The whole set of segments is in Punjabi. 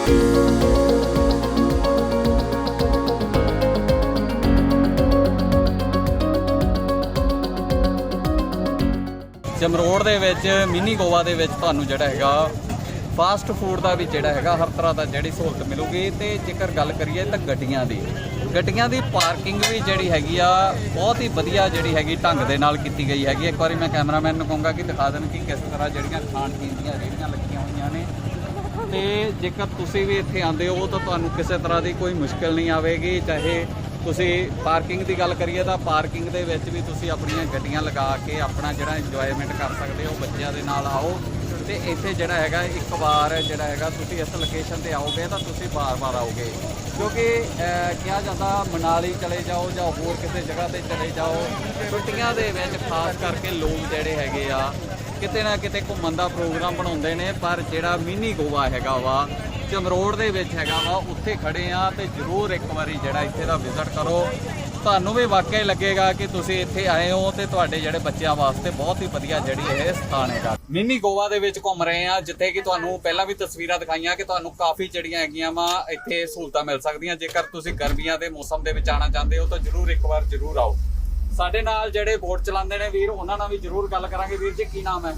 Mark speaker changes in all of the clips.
Speaker 1: ਜਮਰੋੜ ਦੇ ਵਿੱਚ ਮਿੰਨੀ ਗੋਆ ਦੇ ਵਿੱਚ ਤੁਹਾਨੂੰ ਜਿਹੜਾ ਹੈਗਾ ਫਾਸਟ ਫੂਡ ਦਾ ਵੀ ਜਿਹੜਾ ਹੈਗਾ ਹਰ ਤਰ੍ਹਾਂ ਦਾ ਜਿਹੜੀ ਸਹੂਲਤ ਮਿਲੂਗੀ। ਤੇ ਜੇਕਰ ਗੱਲ ਕਰੀਏ ਤਾਂ ਗੱਡੀਆਂ ਦੀ ਪਾਰਕਿੰਗ ਵੀ ਜਿਹੜੀ ਹੈਗੀ ਆ ਬਹੁਤ ਹੀ ਵਧੀਆ ਜਿਹੜੀ ਹੈਗੀ ਢੰਗ ਦੇ ਨਾਲ ਕੀਤੀ ਗਈ ਹੈਗੀ। ਇੱਕ ਵਾਰੀ ਮੈਂ ਕੈਮਰਾਮੈਨ ਨੂੰ ਕਹੂੰਗਾ ਕਿ ਦਿਖਾ ਦੇਣ ਕਿ ਕਿਸ ਤਰ੍ਹਾਂ ਜਿਹੜੀਆਂ ਖਾਣ ਪੀਣ ਦੀਆਂ ਰੇਹੜੀਆਂ ਲੱਗੀਆਂ ਹੋਈਆਂ ਨੇ। ਤੇ ਜੇਕਰ ਤੁਸੀਂ ਵੀ ਇੱਥੇ ਆਉਂਦੇ ਹੋ ਤਾਂ ਤੁਹਾਨੂੰ ਕਿਸੇ ਤਰ੍ਹਾਂ ਦੀ ਕੋਈ ਮੁਸ਼ਕਿਲ ਨਹੀਂ ਆਵੇਗੀ। ਚਾਹੇ ਤੁਸੀਂ ਪਾਰਕਿੰਗ ਦੀ ਗੱਲ ਕਰੀਏ ਤਾਂ ਪਾਰਕਿੰਗ ਦੇ ਵਿੱਚ ਵੀ ਤੁਸੀਂ ਆਪਣੀਆਂ ਗੱਡੀਆਂ ਲਗਾ ਕੇ ਆਪਣਾ ਜਿਹੜਾ ਇੰਜੋਇਮੈਂਟ ਕਰ ਸਕਦੇ ਹੋ। ਬੱਚਿਆਂ ਦੇ ਨਾਲ ਆਓ ਤੇ ਇੱਥੇ ਜਿਹੜਾ ਹੈਗਾ ਇੱਕ ਵਾਰ ਜਿਹੜਾ ਹੈਗਾ ਤੁਸੀਂ ਇਸ ਲੋਕੇਸ਼ਨ ਤੇ ਆਓਗੇ ਤਾਂ ਤੁਸੀਂ ਵਾਰ-ਵਾਰ ਆਓਗੇ, ਕਿਉਂਕਿ ਕਿਹਾ ਜਾਂਦਾ ਮਨਾਲੀ ਚਲੇ ਜਾਓ ਜਾਂ ਹੋਰ ਕਿਸੇ ਜਗ੍ਹਾ ਤੇ ਚਲੇ ਜਾਓ, ਛੁੱਟੀਆਂ ਦੇ ਵਿੱਚ ਖਾਸ ਕਰਕੇ ਲੋਕ ਜਿਹੜੇ ਹੈਗੇ ਆ ਕਿਤੇ ਨਾ ਕਿਤੇ ਘੁੰਮਣ ਦਾ ਪ੍ਰੋਗਰਾਮ ਬਣਾਉਂਦੇ ਨੇ। ਪਰ ਜਿਹੜਾ ਮਿੰਨੀ ਗੋਆ ਹੈਗਾ ਵਾ ਜਮਰੋੜ ਦੇ ਵਿੱਚ ਹੈਗਾ ਵਾ, ਉੱਥੇ ਖੜੇ ਆ ਤੇ ਜ਼ਰੂਰ ਇੱਕ ਵਾਰੀ ਜਿਹੜਾ ਇੱਥੇ ਦਾ ਵਿਜ਼ਿਟ ਕਰੋ। ਤੁਹਾਨੂੰ ਵੀ ਵਾਕਿਆ ਲੱਗੇਗਾ ਕਿ ਤੁਸੀਂ ਇੱਥੇ ਆਏ ਹੋ ਤੇ ਤੁਹਾਡੇ ਜਿਹੜੇ ਬੱਚਿਆਂ ਵਾਸਤੇ ਬਹੁਤ ਹੀ ਵਧੀਆ ਜਿਹੜੀ ਇਹ ਸਥਾਨ ਹੈਗਾ। ਮਿੰਨੀ ਗੋਆ ਦੇ ਵਿੱਚ ਘੁੰਮ ਰਹੇ ਆ, ਜਿੱਥੇ ਕਿ ਤੁਹਾਨੂੰ ਪਹਿਲਾਂ ਵੀ ਤਸਵੀਰਾਂ ਦਿਖਾਈਆਂ ਕਿ ਤੁਹਾਨੂੰ ਕਾਫੀ ਜਿਹੜੀਆਂ ਹੈਗੀਆਂ ਵਾ ਇੱਥੇ ਸਹੂਲਤਾਂ ਮਿਲ ਸਕਦੀਆਂ। ਜੇਕਰ ਤੁਸੀਂ ਗਰਮੀਆਂ ਦੇ ਮੌਸਮ ਦੇ ਵਿੱਚ ਆਉਣਾ ਚਾਹੁੰਦੇ ਹੋ ਤਾਂ ਜ਼ਰੂਰ ਇੱਕ ਵਾਰ ਜ਼ਰੂਰ ਆਓ। ਸਾਡੇ ਨਾਲ ਜਿਹੜੇ ਬੋਟ ਚਲਾਉਂਦੇ ਨੇ ਵੀਰ, ਉਹਨਾਂ ਨਾਲ ਵੀ ਜ਼ਰੂਰ ਗੱਲ ਕਰਾਂਗੇ। ਵੀਰ ਜੀ ਕੀ ਨਾਮ ਹੈ?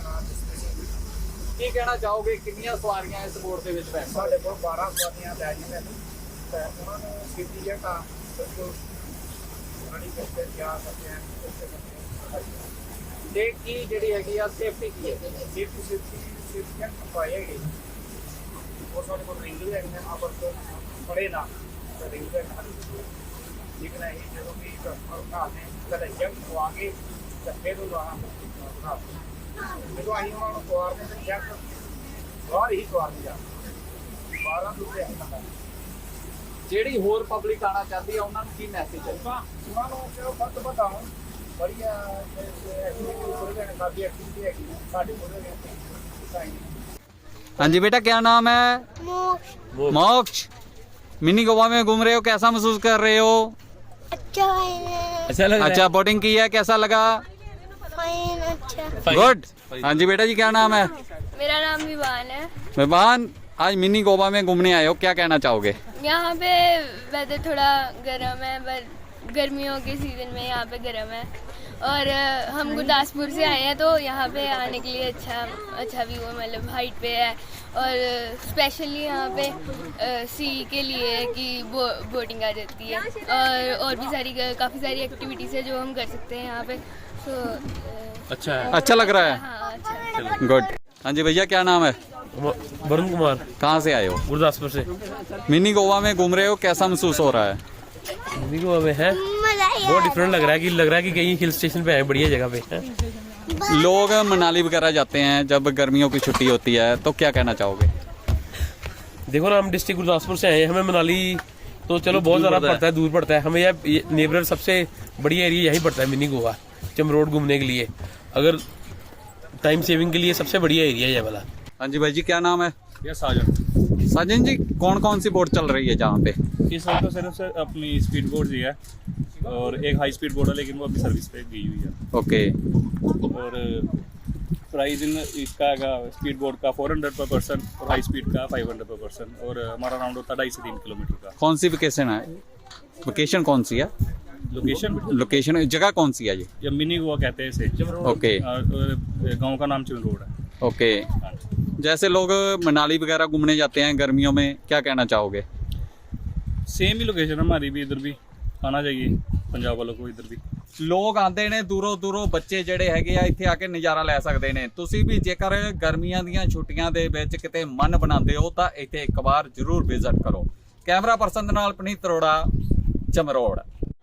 Speaker 1: ਕੀ ਕਹਿਣਾ ਚਾਹੋਗੇ, ਕਿੰਨੀਆਂ ਸਵਾਰੀਆਂ ਇਸ ਬੋਟ ਦੇ ਵਿੱਚ ਬੈਠ?
Speaker 2: ਸਾਡੇ ਕੋਲ 12 ਸਵਾਰੀਆਂ ਲੈ ਜੀ ਮੈਨੂੰ ਤੇ ਉਹਨਾਂ ਨੂੰ ਸਿੱਧੀ ਜਗ੍ਹਾ ਬਿਲਕੁਲ ਰਾਣੀ ਕਰਕੇ ਜਾ ਸਕਦੇ ਆ।
Speaker 1: ਤੇ ਕੀ ਜਿਹੜੀ ਹੈਗੀ ਆ ਸੇਫਟੀ ਕੀ ਹੈ?
Speaker 2: ਸੇਫਟੀ ਕੈਂਪ ਪਾਏਗੀ ਉਹ ਸਾਡੇ ਕੋਲ ਰਿੰਗ ਵੀ ਹੈਗੇ ਆ, ਪਰ ਬੜੇ ਨਾ ਰਿੰਗ ਦੇ ਲੇਕਿਨ ਇਹ ਜਦੋਂ ਵੀ ਕਸਟਮਰ ਨੇ ਕਦੇ ਜੰਗ ਪਵਾ ਕੇ ਤੇ ਫਿਰ ਉਹ ਆਣਾ ਜਦੋਂ ਅਸੀਂ ਉਹਨਾਂ ਨੂੰ ਸਵਾਰਦੇ ਤੇ ਚੈੱਕ ਬਾਹਰ ਹੀ ਸਵਾਰਦੇ ਆ 12 ਰੁਪਏ
Speaker 1: ਜਿਹੜੀ ਹੋਰ ਪਬਲਿਕ ਆਣਾ ਚਾਹਦੀ ਆ ਉਹਨਾਂ ਨੂੰ ਕੀ ਮੈਸੇਜ ਹੈ?
Speaker 2: ਉਹਨਾਂ ਨੂੰ ਕਿ ਉਹ ਵੱਧ ਵਧਾਉਣ ਬੜੀਆ ਐਕਟੀਵਿਟੀ ਕਾਫੀ ਐਕਟੀਵਿਟੀ ਹੈਗੀ ਸਾਡੇ ਕੋਲ।
Speaker 1: हाँ जी बेटा, क्या नाम है? मोक्ष। मिनी गोवा में घूम रहे हो, कैसा महसूस कर रहे हो?
Speaker 3: अच्छा
Speaker 1: लग रहा है। अच्छा, बोटिंग की है, कैसा लगा? गुड। हाँ जी बेटा जी, क्या नाम है?
Speaker 3: मेरा नाम विवान है।
Speaker 1: विवान, आज मिनी गोवा में घूमने आए हो, क्या कहना चाहोगे?
Speaker 3: यहाँ पे वेदर थोड़ा गर्म है, पर गर्मियों के सीजन में यहाँ पे गर्म है और हम गुरदासपुर से आए हैं तो यहाँ पे आने के लिए अच्छा व्यू है, मतलब हाइट पे है और स्पेशली यहाँ पे सी के लिए कि बोटिंग आ जाती है और भी काफ़ी सारी एक्टिविटीज़ है जो हम कर सकते हैं यहाँ पे। तो
Speaker 1: अच्छा लग रहा है।
Speaker 3: हाँ, अच्छा।
Speaker 1: गुड। हाँ जी भैया, क्या नाम है?
Speaker 4: वरुण कुमार।
Speaker 1: कहाँ से आए हो?
Speaker 4: गुरदासपुर से।
Speaker 1: मिनी गोवा में घूम रहे हो, कैसा महसूस हो रहा है?
Speaker 4: मिनी गोवा में है बहुत डिफरेंट लग रहा है कि कहीं हिल स्टेशन पे आए, बढ़िया जगह पे है।
Speaker 1: लोग मनाली वगैरह जाते हैं जब गर्मियों की छुट्टी होती है, तो क्या कहना चाहोगे?
Speaker 4: देखो ना, हम डिस्ट्रिक्ट गुरदासपुर से आए हैं, हमें मनाली तो चलो बहुत ज़्यादा पड़ता है, दूर पड़ता है। हमें यह नेबर सबसे बढ़िया एरिया यहीं पड़ता है, मिनी गोवा जमरोड घूमने के लिए। अगर टाइम सेविंग के लिए सबसे बढ़िया एरिया है ये वाला।
Speaker 1: हाँ जी भाई जी, क्या नाम है?
Speaker 5: ये साजन।
Speaker 1: साजन जी, कौन कौन सी बोट चल रही है जहाँ पे?
Speaker 5: इस वक्त तो सिर्फ अपनी स्पीड बोट ही है और एक हाई स्पीड बोट है, लेकिन वो अभी सर्विस पे गई हुई है।
Speaker 1: ओके।
Speaker 5: और प्राइस इन इसका स्पीड बोट का 400 पर पर्सन और हाई स्पीड का 500 पर पर्सन, और हमारा राउंड होता है 2.5 से 3 किलोमीटर का।
Speaker 1: कौन सी वेकेशन है? वेकेशन कौन सी है? लोकेशन जगह कौन सी है
Speaker 5: ये मिनी गोवा कहते हैं इसे।
Speaker 1: ओके।
Speaker 5: और गाँव का नाम चिमरोड है।
Speaker 1: ओके। जैसे लोग मनाली वगैरह घूमने जाते हैं गर्मियों में, क्या कहना चाहोगे?
Speaker 5: सेम ही लोकेशन हमारी भी, इधर भी आना चाहिए पंजाब वालों को। इधर भी
Speaker 1: ਲੋਕ ਆਉਂਦੇ ਨੇ ਦੂਰੋਂ ਬੱਚੇ ਜਿਹੜੇ ਹੈਗੇ ਆ ਇੱਥੇ ਆ ਕੇ ਨਜ਼ਾਰਾ ਲੈ ਸਕਦੇ ਨੇ। ਤੁਸੀਂ ਵੀ ਜੇਕਰ ਗਰਮੀਆਂ ਦੀਆਂ ਛੁੱਟੀਆਂ ਦੇ ਵਿੱਚ ਕਿਤੇ ਮਨ ਬਣਾਉਂਦੇ ਹੋ ਤਾਂ ਇੱਥੇ ਇੱਕ ਵਾਰ ਜ਼ਰੂਰ ਵਿਜ਼ਿਟ ਕਰੋ। ਕੈਮਰਾ ਪਰਸਨ ਦੇ ਨਾਲ ਪਨੀਤ ਅਰੋੜਾ, ਜਮਰੋੜ।